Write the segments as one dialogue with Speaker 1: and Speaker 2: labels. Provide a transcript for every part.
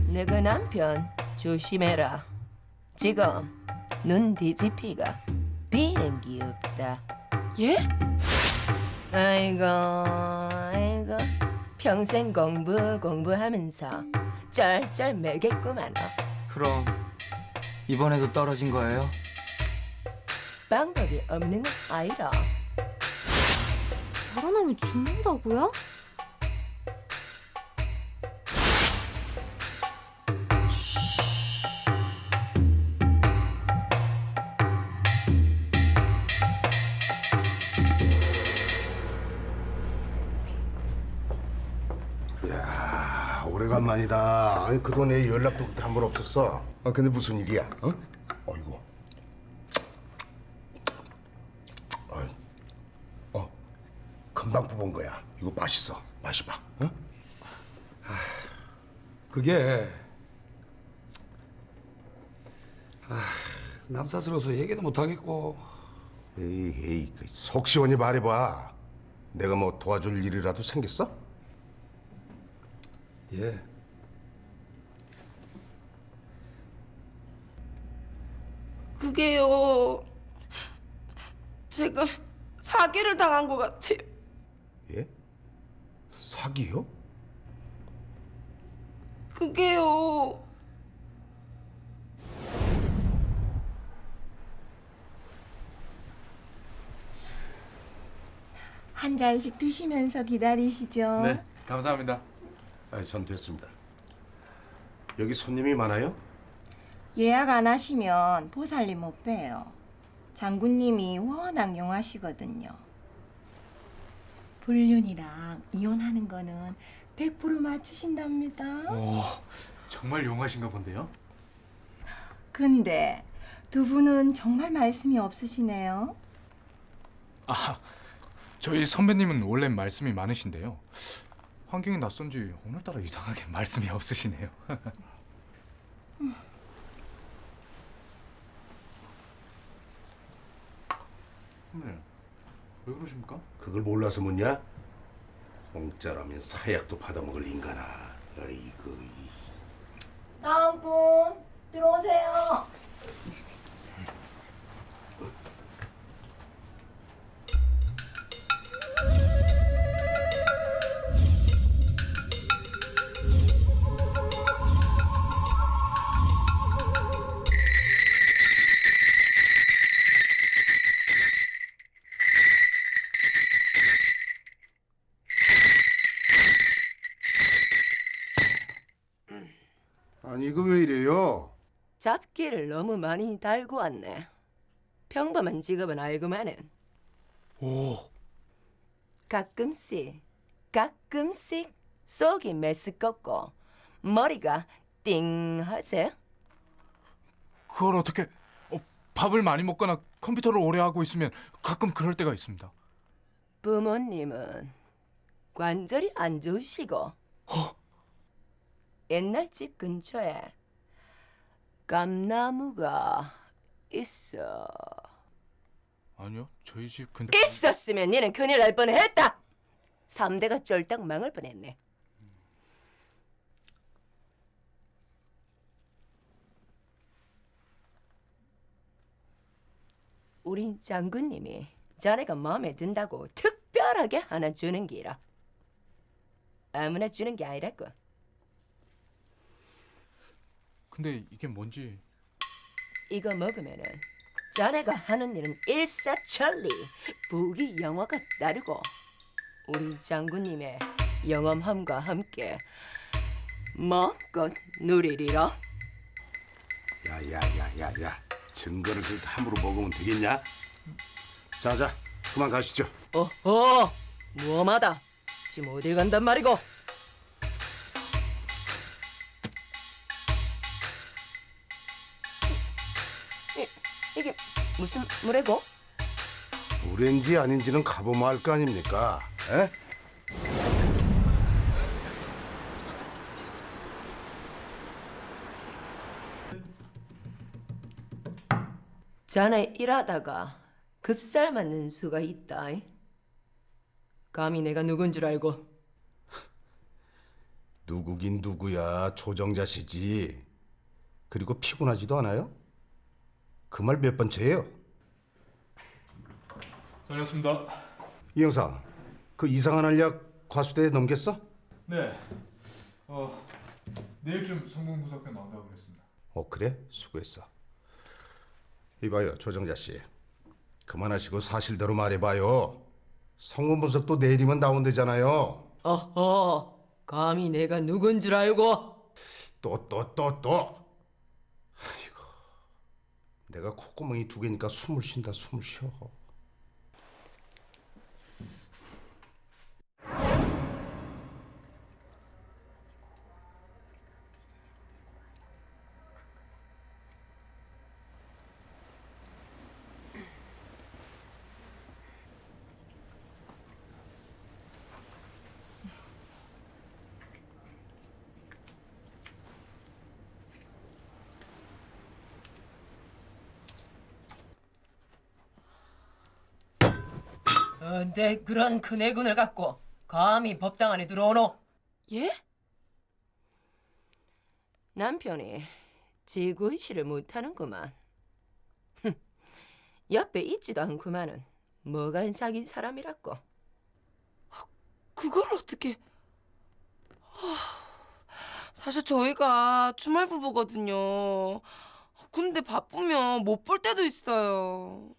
Speaker 1: 너그 남편 조심해라. 지금 눈 뒤집히가 비행기 없다.
Speaker 2: 예?
Speaker 1: 아이고 아이고 평생 공부하면서 쩔쩔 매겠구만.
Speaker 3: 그럼 이번에도 떨어진 거예요?
Speaker 1: 방법이 없는 건 아니라.
Speaker 2: 결혼하면 죽는다고요?
Speaker 4: 야, 오래간만이다. 아니, 그동안 내 연락도 그때 한 번 없었어. 아, 근데 무슨 일이야? 어? 어이구. 금방 뽑은 거야. 이거 맛있어. 마셔봐. 어?
Speaker 5: 그게 남사스러워서 얘기도 못 하겠고.
Speaker 4: 에이, 속 시원히 말해봐. 내가 뭐 도와줄 일이라도 생겼어?
Speaker 5: 예.
Speaker 2: 그게요. 제가 사기를 당한 것 같아요.
Speaker 4: 예? 사기요?
Speaker 2: 그게요.
Speaker 1: 한 잔씩 드시면서 기다리시죠.
Speaker 3: 네, 감사합니다.
Speaker 4: 아, 전 됐습니다. 여기 손님이 많아요?
Speaker 6: 예약 안 하시면 보살님 못 봬요. 장군님이 워낙 용하시거든요. 불륜이랑 이혼하는 거는 100% 맞추신답니다.
Speaker 3: 오, 정말 용하신가 본데요?
Speaker 6: 근데 두 분은 정말 말씀이 없으시네요.
Speaker 7: 저희 선배님은 원래 말씀이 많으신데요. 환경이 낯선지 오늘따라 이상하게 말씀이 없으시네요. 선배님, 왜 그러십니까?
Speaker 4: 그걸 몰라서 묻냐? 공짜라면 사약도 받아먹을 인간아. 아이고.
Speaker 6: 다음 분 들어오세요.
Speaker 4: 아니, 이거 왜 이래요?
Speaker 1: 잡기를 너무 많이 달고 왔네. 평범한 직업은 알고만은.
Speaker 7: 오,
Speaker 1: 가끔씩 속이 메스껍고 머리가 띵하지?
Speaker 7: 그걸 어떻게? 밥을 많이 먹거나 컴퓨터를 오래 하고 있으면 가끔 그럴 때가 있습니다.
Speaker 1: 부모님은 관절이 안 좋으시고 옛날 집 근처에 감나무가 있어.
Speaker 7: 아니요, 저희 집 근데
Speaker 1: 있었으면 니는 큰일 날 뻔했다. 3대가 쫄딱 망할 뻔했네. 우리 장군님이 자네가 마음에 든다고 특별하게 하나 주는 기라. 아무나 주는 게 아니라고.
Speaker 7: 근데 이게 뭔지.
Speaker 1: 이거 먹으면은 자네가 하는 일은 일사천리 부귀영화가 따르고 우리 장군님의 영험함과 함께 마음껏 누리리라.
Speaker 4: 야. 증거를 그렇게 함부로 먹으면 되겠냐? 자, 그만 가시죠.
Speaker 1: 어허, 무엄하다. 지금 어딜 간단 말이고? 이게 무슨 물이고?
Speaker 4: 물인지 아닌지는 가보면 알 거 아닙니까? 에?
Speaker 1: 자네 일하다가 급살 맞는 수가 있다. 감히 내가 누군 줄 알고?
Speaker 4: 누구긴 누구야. 조정자 씨지. 그리고 피곤하지도 않아요? 그 말 몇 번째예요?
Speaker 7: 다녔습니다.
Speaker 4: 이 형사, 그 이상한 알약 과수대에 넘겼어?
Speaker 7: 네. 내일쯤 성공부석회 나온다고 그랬습니다.
Speaker 4: 그래? 수고했어. 이봐요, 조정자 씨. 그만하시고 사실대로 말해봐요. 성분 분석도 내일이면 나온대잖아요.
Speaker 1: 어허, 감히 내가 누군 줄 알고?
Speaker 4: 또. 아이고, 내가 콧구멍이 2개니까 숨을 쉰다, 숨을 쉬어.
Speaker 1: 내 그런 큰 애군을 갖고 감히 법당 안에 들어오노?
Speaker 2: 예?
Speaker 1: 남편이 지구의식을 못하는구만. 옆에 있지도 않구만은 뭐가 자기 사람이라고.
Speaker 2: 그걸 어떻게... 사실 저희가 주말 부부거든요. 근데 바쁘면 못 볼 때도 있어요.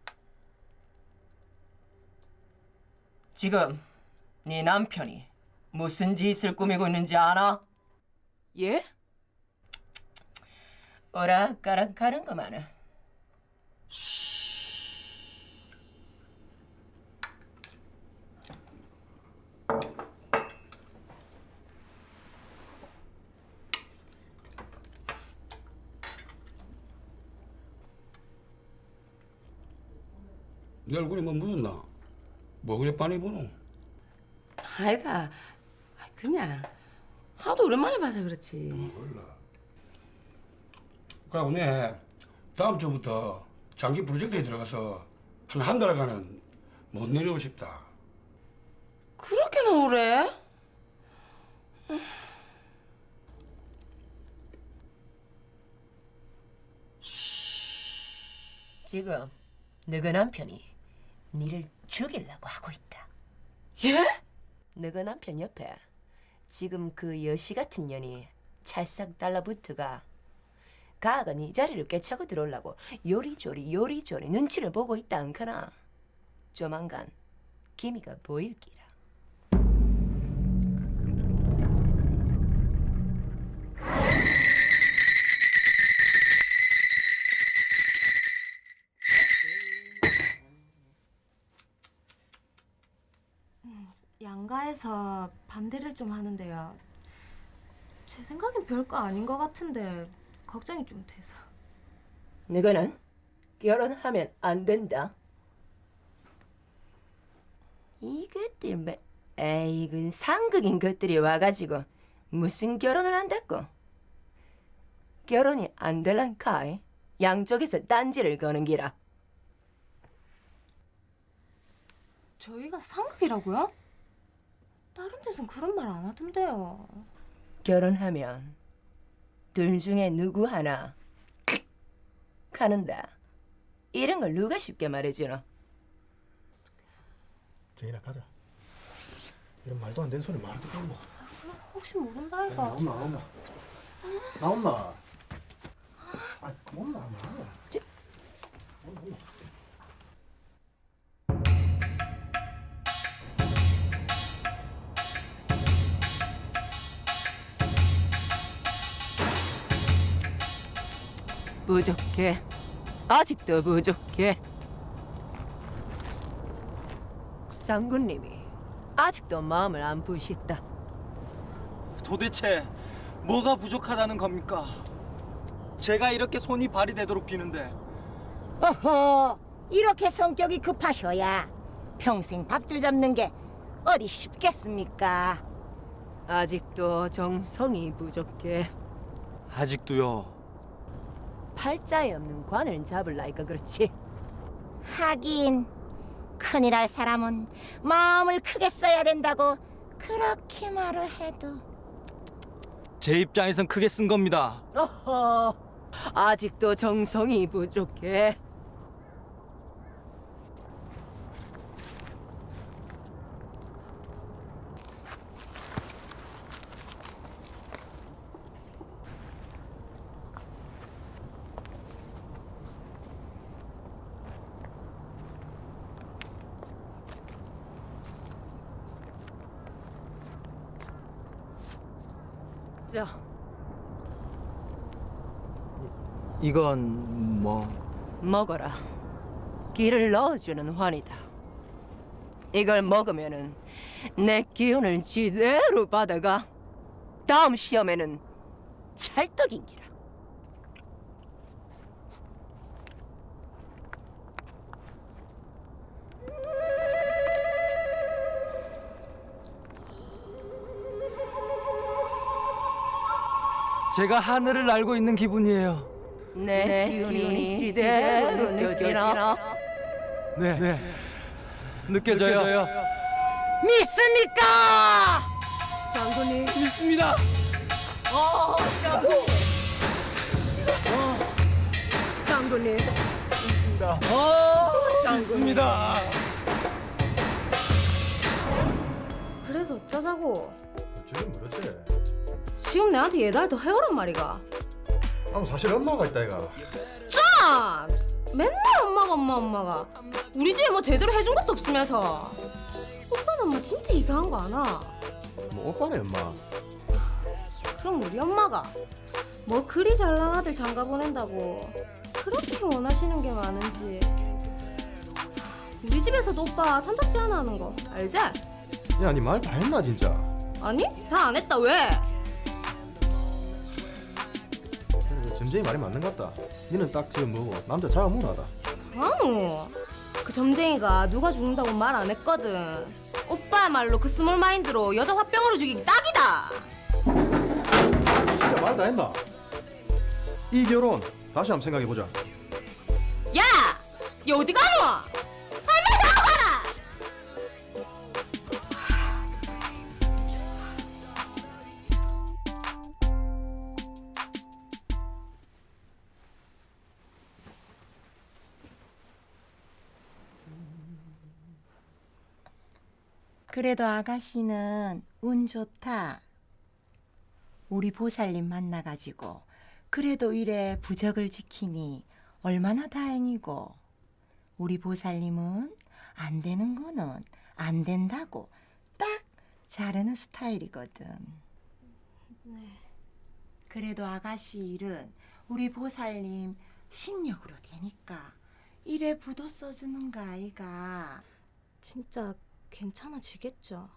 Speaker 1: 지금 네 남편이 무슨 짓을 꾸미고 있는지 알아?
Speaker 2: 예?
Speaker 1: 오락가락 하는 거만은.
Speaker 5: 내 얼굴에 뭐 묻었나? 뭐 그래 빤히 보노?
Speaker 2: 아니다. 그냥 하도 오랜만에 봐서 그렇지.
Speaker 5: 그러고 내 다음 주부터 장기 프로젝트에 들어가서 한 달간은 못 내려오고 싶다.
Speaker 2: 그렇게나 오래?
Speaker 1: 지금 너그 남편이 니를 죽이려고 하고 있다.
Speaker 2: 예?
Speaker 1: 너그 남편 옆에 지금 그 여시 같은 년이 찰싹 달라붙어가 가가 네 자리를 꿰차고 들어오려고 요리조리 눈치를 보고 있다 않거나 조만간 기미가 보일기라.
Speaker 8: 양가에서 반대를 좀 하는데요. 제 생각엔 별거 아닌 것 같은데 걱정이 좀 돼서.
Speaker 1: 너는 결혼하면 안 된다. 이것들 뭐 에이군 상극인 것들이 와가지고 무슨 결혼을 한다고. 결혼이 안 될란카이 양쪽에서 딴지를 거는 기라.
Speaker 8: 저희가 상극이라고요? 다른 데선 그런 말 안 하던데요.
Speaker 1: 결혼하면 둘 중에 누구 하나 가는다. 이런 걸 누가 쉽게 말해주노?
Speaker 9: 정인아 가자. 이런 말도 안 되는 소리 말도 좀 뭐.
Speaker 8: 혹시 모른다 이가.
Speaker 9: 나온나. 아, 엄마.
Speaker 1: 부족해. 아직도 부족해. 장군님이 아직도 마음을 안 푸시다.
Speaker 3: 도대체 뭐가 부족하다는 겁니까? 제가 이렇게 손이 발이 되도록 비는데.
Speaker 6: 어허, 이렇게 성격이 급하셔야 평생 밥줄 잡는 게 어디 쉽겠습니까?
Speaker 1: 아직도 정성이 부족해.
Speaker 3: 아직도요.
Speaker 1: 팔자에 없는 관을 잡을라니까 그렇지.
Speaker 6: 하긴 큰일 할 사람은 마음을 크게 써야 된다고 그렇게 말을 해도
Speaker 3: 제 입장에선 크게 쓴 겁니다.
Speaker 1: 어허, 아직도 정성이 부족해. 자,
Speaker 3: 이건 뭐?
Speaker 1: 먹어라. 기를 넣어주는 환이다. 이걸 먹으면은 내 기운을 지대로 받아가 다음 시험에는 찰떡인기라.
Speaker 3: 제가 하늘을 날고 있는 기분이에요.
Speaker 1: 내 기운이 지대로 느껴지나?
Speaker 3: 네. 느껴져요.
Speaker 1: 믿습니까? 장군님.
Speaker 3: 믿습니다.
Speaker 1: 장군. 장군님.
Speaker 3: 믿습니다.
Speaker 8: 그래서 어쩌자고?
Speaker 9: 지금 그렇지.
Speaker 8: 지금 내한테 예달 더 해오란 말이가.
Speaker 9: 사실 엄마가 있다 이가.
Speaker 8: 아! 맨날 엄마가 우리 집에 뭐 제대로 해준 것도 없으면서. 오빠는 엄마 진짜 이상한 거 아나?
Speaker 9: 뭐 오빠네 엄마.
Speaker 8: 그럼 우리 엄마가 뭐 그리 잘난 아들 장가 보낸다고 그렇게 원하시는 게 많은지. 우리 집에서도 오빠 탐탁지 하나 하는 거 알지?
Speaker 9: 야, 니 말 다 했나 진짜?
Speaker 8: 아니? 다 안 했다. 왜?
Speaker 9: 점쟁이 말이 맞는 것 같다. 니는 딱 지금 뭐고 남자 자가 무나다.
Speaker 8: 아노. 그 점쟁이가 누가 죽는다고 말 안 했거든. 오빠야말로 그 스몰 마인드로 여자 화병으로 죽이기 딱이다.
Speaker 9: 진짜 말 다 했나? 이 결혼 다시 한번 생각해 보자.
Speaker 8: 야! 야 어디 가노? 할머니 나와봐라!
Speaker 6: 그래도 아가씨는 운 좋다. 우리 보살님 만나가지고 그래도 이래 부적을 지키니 얼마나 다행이고. 우리 보살님은 안 되는 거는 안 된다고 딱 자르는 스타일이거든. 그래도 아가씨 일은 우리 보살님 신력으로 되니까 이래 부도 써주는 거 아이가.
Speaker 8: 진짜 괜찮아지겠죠?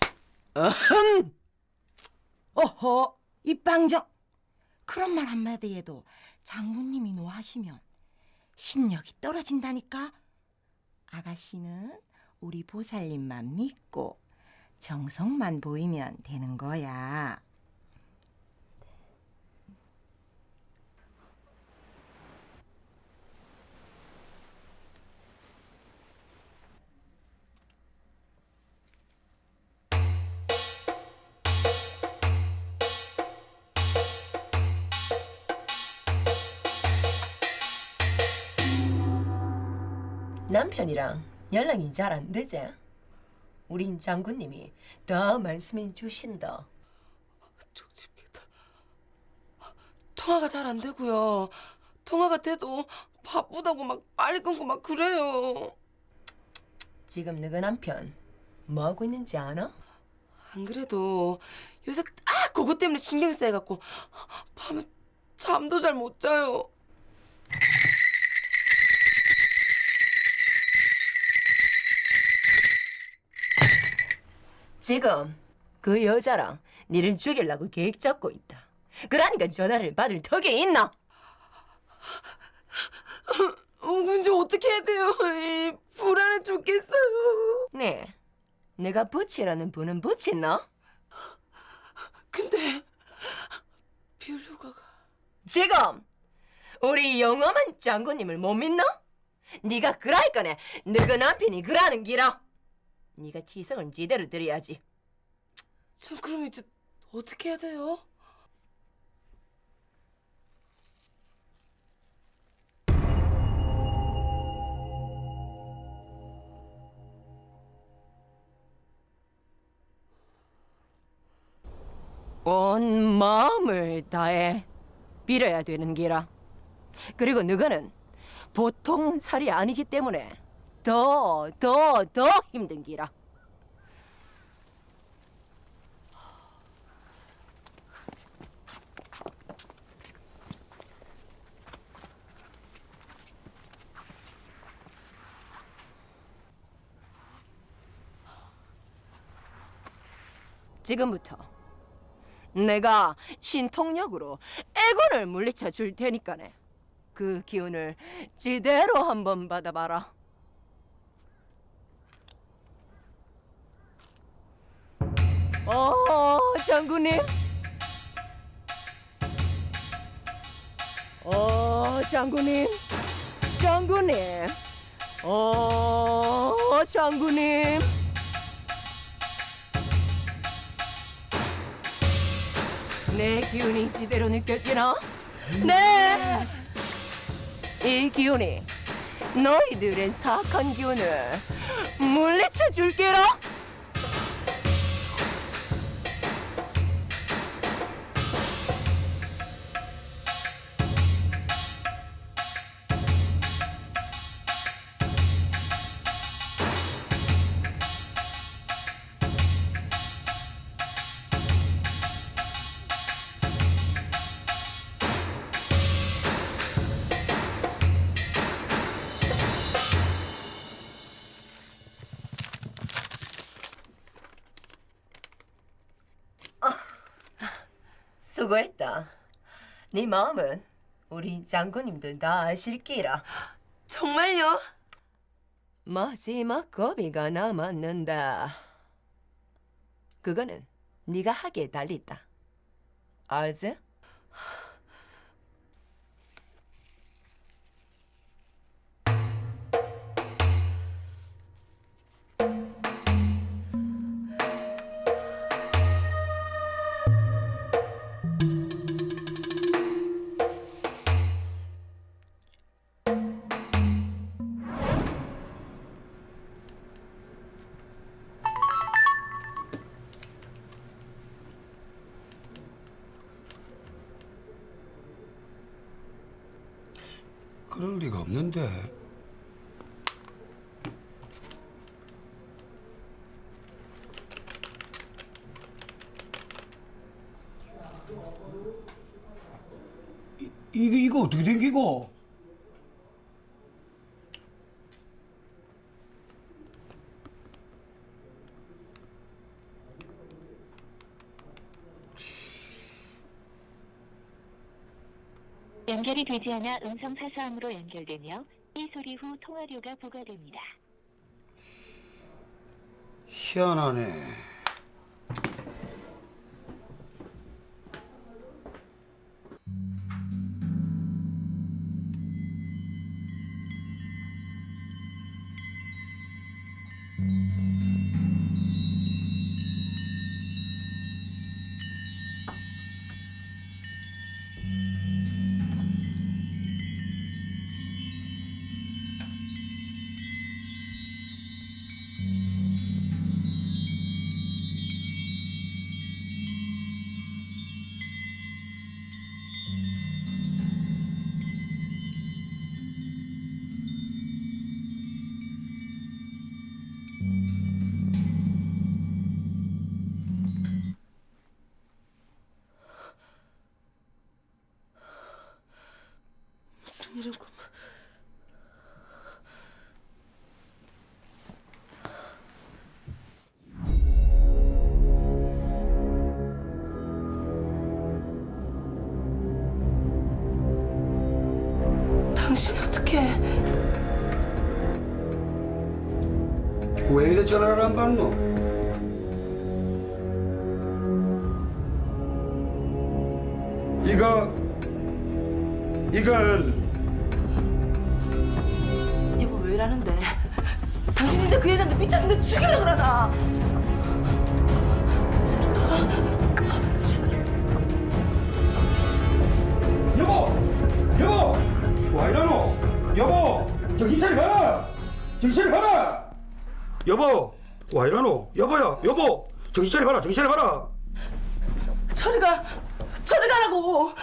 Speaker 6: 어허, 입방정. 그런 말 한마디에도 장군님이 노하시면 신력이 떨어진다니까. 아가씨는 우리 보살님만 믿고 정성만 보이면 되는 거야.
Speaker 1: 남편이랑 연락이 잘 안 되지? 우린 장군님이 다 말씀해 주신다.
Speaker 2: 쪽집게다. 통화가 잘 안 되고요. 통화가 돼도 바쁘다고 막 빨리 끊고 막 그래요.
Speaker 1: 지금 너희 남편 뭐 하고 있는지 아나?
Speaker 2: 안 그래도 요새 딱 그것 때문에 신경 쓰여갖고 밤에 잠도 잘 못 자요.
Speaker 1: 지금 그 여자랑 니를 죽이려고 계획 잡고 있다. 그러니까 전화를 받을 턱이 있나?
Speaker 2: 근데 어떻게 해야 돼요? 불안해 죽겠어요.
Speaker 1: 네, 내가 부치라는 분은 부치나?
Speaker 2: 근데 비올려가가
Speaker 1: 지금 우리 영험한 장군님을 못 믿나? 네가 그랄 거네. 너그 남편이 그라는 기라. 네가 지성을 제대로 들여야지.
Speaker 2: 전 그럼 이제 어떻게 해야 돼요?
Speaker 1: 온 마음을 다해 빌어야 되는 기라. 그리고 너가는 보통 살이 아니기 때문에 더 힘든 기라. 지금부터 내가 신통력으로 애군을 물리쳐 줄 테니까네. 그 기운을 지대로 한번 받아봐라. 장군님. 장군님. 장군님. 장군님. 내 기운이 지대로 느껴지나? 네. 이 기운이 너희들의 사악한 기운을 물리쳐 줄게라. 수고했다. 네 마음은 우리 장군님도 다 아실기라.
Speaker 2: 정말요?
Speaker 1: 마지막 고비가 남았는다. 그거는 네가 하기에 달렸다. 알지?
Speaker 5: 그럴 리가 없는데. 이거 어떻게 된 기고?
Speaker 10: 연결이 되지 않아 음성 사서함으로 연결되며 이 소리 후 통화료가 부과됩니다.
Speaker 5: 희한하네.
Speaker 2: 무슨 일이고? 당신이 어떻게?
Speaker 5: 왜 이래 전화를 안 받노? 이건
Speaker 2: 여보 왜 이러는데? 당신 진짜 그 여자한테 미쳐서 내 죽이려고 그러나? 저리 가.
Speaker 5: 여보, 와 이러노? 여보, 정신 차려봐라. 정신 차려봐라. 여보, 와 이러노? 여보야, 여보, 정신 차려봐라. 정신 차려봐라.
Speaker 2: 저리 가. 내가 저리 가라고.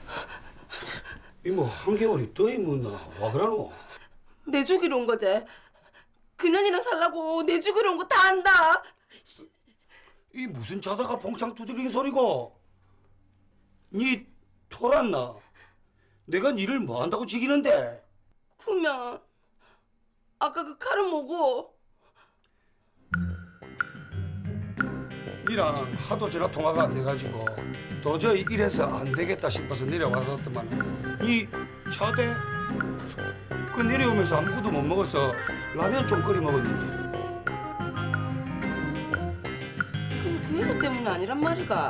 Speaker 5: 이모 한겨울이 더 있문나 와 그러노?
Speaker 2: 내 죽이러 온 거지. 그년이랑 살라고 내 죽이러 온 거 다 안다.
Speaker 5: 이 무슨 자다가 봉창 두드리는 소리고? 니 토랐나? 내가 니를 뭐 한다고 지기는데?
Speaker 2: 그러면 아까 그 칼은 뭐고?
Speaker 5: 니랑 하도 전화 통화가 안 돼가지고 도저히 이래서 안 되겠다 싶어서 내려와봤더만 니 차대? 그 내려오면서 아무것도 못 먹어서 라면 좀 끓여 먹었는데
Speaker 2: 그럼 그 여자 때문이 아니란 말이가.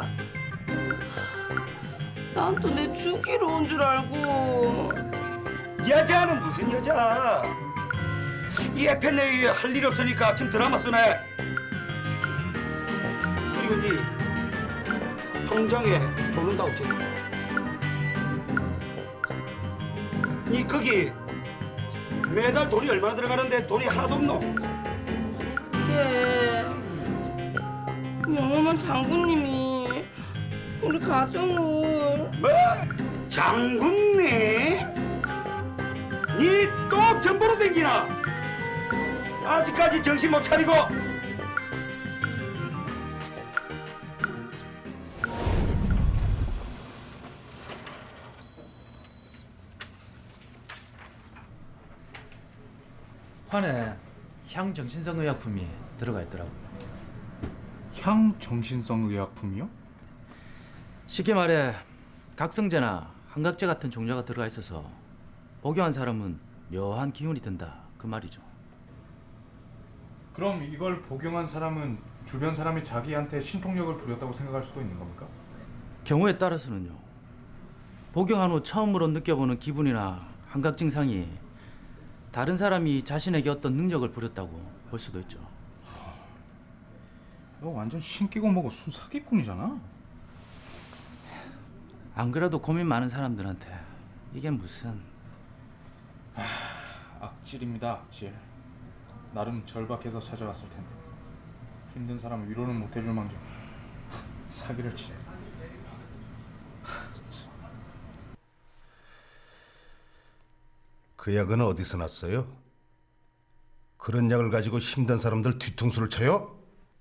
Speaker 2: 난 또 내 죽이러 온 줄 알고.
Speaker 5: 여자는 무슨 여자? 이 FNA 할 일 없으니까 지금 드라마 쓰네. 그리고 니 통장에 돈 온다고 했지? 니 거기 매달 돈이 얼마나 들어가는데 돈이 하나도 없노?
Speaker 2: 그게 영험한 장군님이 우리 가정을.
Speaker 5: 뭐? 장군님? 니 또 전보로 댕기나? 아직까지 정신 못 차리고?
Speaker 3: 환에 향정신성 의약품이 들어가 있더라고.
Speaker 7: 향 정신성 의약품이요?
Speaker 3: 쉽게 말해 각성제나 한각제 같은 종류가 들어가 있어서 복용한 사람은 묘한 기운이 든다 그 말이죠.
Speaker 7: 그럼 이걸 복용한 사람은 주변 사람이 자기한테 신통력을 부렸다고 생각할 수도 있는 겁니까?
Speaker 3: 경우에 따라서는요. 복용한 후 처음으로 느껴보는 기분이나 한각 증상이 다른 사람이 자신에게 어떤 능력을 부렸다고 볼 수도 있죠.
Speaker 7: 너 완전 신기고 뭐고 순사기꾼이잖아.
Speaker 3: 안 그래도 고민 많은 사람들한테 이게 무슨
Speaker 7: 악질입니다, 악질. 나름 절박해서 찾아왔을 텐데 힘든 사람 위로는 못 해줄 망정 사기를 치네.
Speaker 4: 그 약은 어디서 났어요? 그런 약을 가지고 힘든 사람들 뒤통수를 쳐요?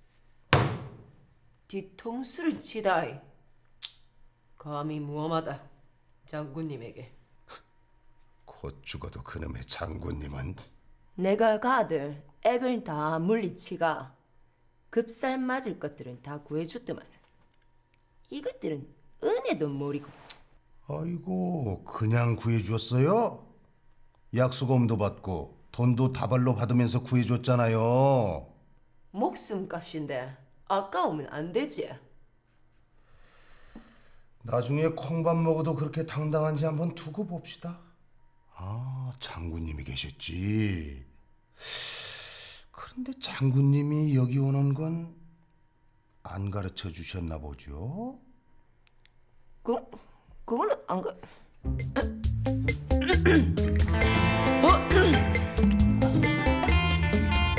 Speaker 1: 뒤통수를 치다이. 감히 무엄하다 장군님에게.
Speaker 4: 곧 죽어도 그놈의 장군님은
Speaker 1: 내가 가들 액을 다 물리치가 급살 맞을 것들은 다 구해줬더만 이것들은 은혜도 모르고.
Speaker 4: 아이고 그냥 구해주었어요? 약수금도 받고 돈도 다발로 받으면서 구해줬잖아요.
Speaker 1: 목숨값인데 아까우면 안 되지.
Speaker 4: 나중에 콩밥 먹어도 그렇게 당당한지 한번 두고 봅시다. 아, 장군님이 계셨지. 그런데 장군님이 여기 오는 건 안 가르쳐 주셨나 보죠?
Speaker 1: 그거는 안 가.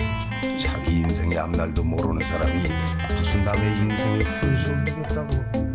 Speaker 4: 자기 인생의 앞날도 모르는 사람이 무슨 남의 인생에 훈수를 두겠다고.